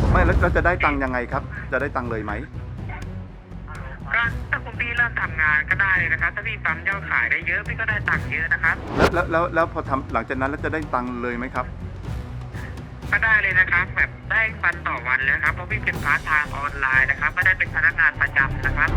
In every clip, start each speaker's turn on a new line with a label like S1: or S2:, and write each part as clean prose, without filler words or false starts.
S1: ไม่แล้วเราจะได้ตังค์ยังไงครับจะได้ตังค์เลยไหม
S2: ก็ถ้าคุณพี่เริ่มทำงานก็ได้เลยนะครับถ้าพี่ปั๊มยอดขายได้เยอะพี่ก็ได้ตังค์เยอะนะครับ
S1: แล้วพอทำหลังจากนั้นแล้วจะได้ตังค์เลยไหมครับ
S2: ก็ได้เลยนะครับแบบได้วันต่อวันเลยนะครับเพราะพี่เป็นพาร์ทไทม์ออนไลน์นะครับก็ได้เป็นพนักงานประจำนะครับ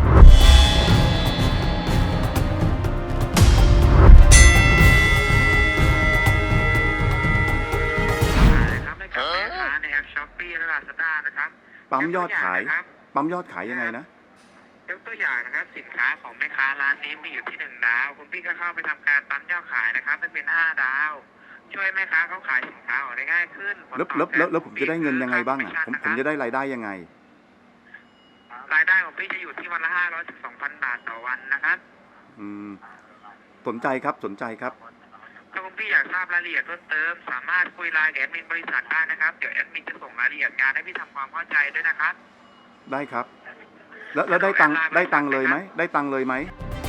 S2: นะครับได้กับแม่ค้าในแอปช้อปปี้และลาซาด้านะครับ
S1: ปั๊มยอดขายยังไงนะ
S2: ยกตัวอย่างนะครับสินค้าของแม่ค้าร้านนี้มีอยู่ที่1 ดาวคุณพี่ก็เข้าไปทำการปั๊มยอดขายนะครับให้เป็น5 ดาวช่วยแม่ค้าเขาขายสินค้าออกได้ง่ายขึ้น
S1: แล้วผมจะได้เงินยังไงบ้างอ่ะผมจะได้รายได้ยังไง
S2: รายได้ของพี่จะอยู่ที่วันละ500 ถึง 2,000 บาทต่อวันนะครับ
S1: สนใจครับ
S2: ถ้าคุณพี่อยากทราบรายละเอียดเพิ่มเติมสามารถคุยไลน์กับแอดมินบริษัทได้นะครับเดี๋ยวแอดมินจะส่งรายละเอียดงานให้พี่ทำความเข้าใจด้วยนะครับ
S1: ได้ครับแล้วได้ตังค์เลยไหมได้ตังค์เลยไหม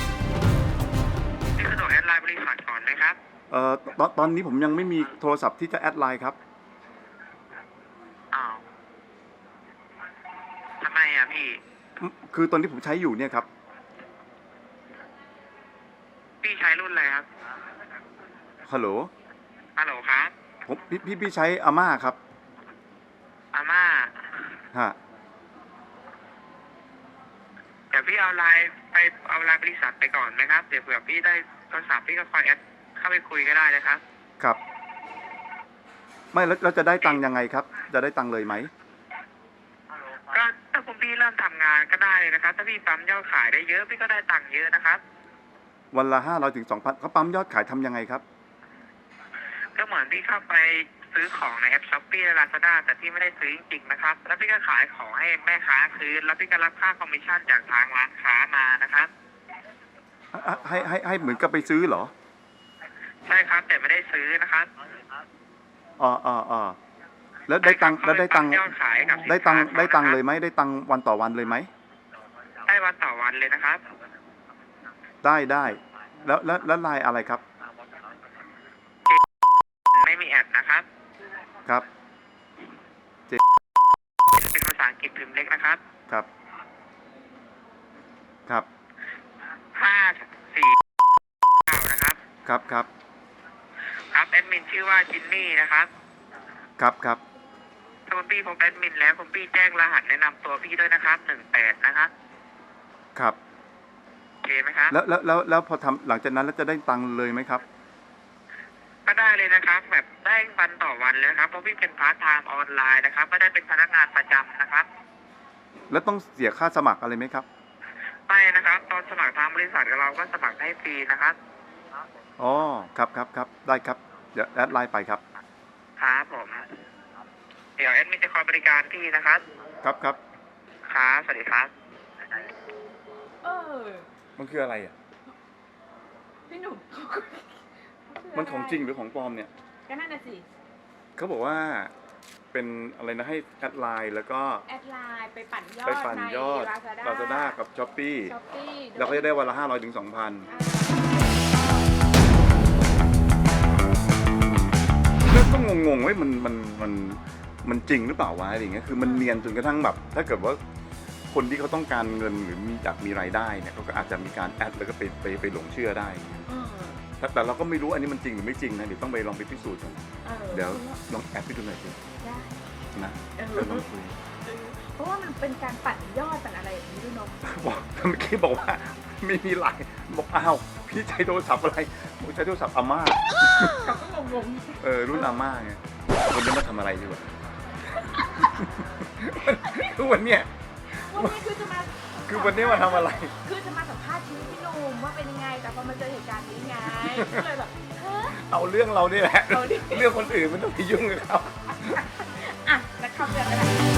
S2: พี่สะดวกแอดไลน์บริษัทก่อนไหมครับ
S1: ตอนนี้ผมยังไม่มีโทรศัพท์ที่จะแอดไลน์ครับ
S2: อ้าวทำไมอ่ะพี่
S1: คือตอนที่ผมใช้อยู่เนี่ยครับ
S2: พี่ใช้รุ่นอะไรครับ
S1: ฮัลโหล
S2: ครับ
S1: ผมพี่ใช้อาม่าครับ
S2: อาม่า
S1: ฮะ
S2: เดี๋ยวพี่เอาไลน์บริษัทไปก่อนไหมครับเดี๋ยวเผื่อพี่ได้โทรศัพท์พี่ก็คอยแอดเข้าไปคุยก็ได้นะครับ
S1: ครับไม่แล้วเราจะได้ตังค์ยังไงครับจะได้ตังค์เลยไหม
S2: ก็ถ้าคุณพี่เริ่มทำงานก็ได้เลยนะครับถ้าพี่ปั๊มยอดขายได้เยอะพี่ก็ได้ตังค์เยอะนะครับ
S1: วันละ500 ถึง 2,000เขาปั๊มยอดขายทำยังไงครับ
S2: ก็เหมือนพี่เข้าไปซื้อของในแอปช้อปปี้และลาซาด้าแต่พี่ไม่ได้ซื้อจริงๆนะครับแล้วพี่ก็ขายของให้แม่ค้าคืนแล้วพี่ก็รับค่าคอมมิชชั่นจากทางร้านค้ามานะครับ
S1: ให้เหมือนกับไปซื้อเหรอ
S2: ใช่ครับแต่ไม่ได้ซื้อนะครับ
S1: แล้วได้ตังค์
S2: ยอดขายกับ
S1: ได้ตังค์เลยไหมได้ตังค์วันต่อวันเลยไหม
S2: ได้วันต่อวันเลยนะครับ
S1: ได้แล้วไลน์อะไรครับ
S2: ไม่มีแอดนะครับ
S1: ครับ
S2: เป็นภาษาอังกฤษพิมพ์เล็กนะครับ
S1: ครับ
S2: 549นะครับ
S1: ครับ
S2: แอดมินชื่อว่าจินนี่นะครับ
S1: ครับ
S2: ถ้าคุณพี่พบแอดมินแล้วคุณพี่แจ้งรหัสแนะนำตัวพี่ด้วยนะครับ18นะครับ
S1: ครับ
S2: โอเคไหมครับ
S1: แล้วพอทำหลังจากนั้นแล้วจะได้ตังค์เลยไหมครับ
S2: ก็ได้เลยนะครับแบบได้วันต่อวันเลยนะครับเพราะพี่เป็นพาร์ทไทม์ออนไลน์นะครับก็ได้เป็นพนักงานประจำนะครับ
S1: แล้วต้องเสียค่าสมัครอะไรไหมครับ
S2: ไม่นะครับตอนสมัครทางบริษัทเราก็สมัครให้ฟรีนะครับ
S1: อ๋อครับได้ครับเดี๋ยวแอดไลน์ไปครับ
S2: ครับผมเดี๋ยวแอดมินจะคอยบริการพี่นะครับ
S1: ครับ
S2: สวัสดีครับ
S1: มันคืออะไรอ่ะ
S3: พี่หนุ่ม
S1: มันของจริงหรือของปลอมเนี่ย
S3: ก็นั่นน่ะสิ
S1: เขาบอกว่าเป็นอะไรนะให้แอดไลน์แล้วก็
S3: แอดไลน์ไปปั่นยอดใน
S1: ลาซาด้ากับช้อปปี้เราก็จะได้วันละ500 ถึง 2,000ก็งงๆไว้มันจริงหรือเปล่าวะอะไรอย่างเงี้ยคือมันเนียนจนกระทั่งแบบถ้าเกิดว่าคนที่เขาต้องการเงินหรือมีรายได้เนี่ยเขาก็อาจจะมีการแอดแล้วก็ไปหลงเชื่อได้แต่เราก็ไม่รู้อันนี้มันจริงหรือไม่จริงนะเดี๋ยวต้องไปลองไปพิสูจน์กันเดี๋ยวลองแอดไปดูหน่อยสินะลองคุย
S3: เพราะว่ามันเป็นการปั่นยอดปั่นอะไรอย่างนี้ด้วยเนาะ
S1: บอกเมื่อกี้บอกว่าไม่มีไลน์บอกอ้าวพี่ใช้โทรศัพท์อะไรผมใช้โทรศัพท์อาม่า
S3: เขาก็งง
S1: รุ่นอาม่าไงวันนี้มาทำอะไรดีวะคือวันนี้คือวันนี้มาทำอะไร
S3: คือจะมาสัมภาษณ์ชีวิตพี่หนุ่มว่าเป็นยังไงแต่พอมาเจอเหตุการณ์นี้ไงก็เลยแบบ
S1: เอาเรื่องเรานี่แหละเรื่องคนอื่นมันต้องไปยุ่งกับเขา
S3: นะครับเรื่องอะไร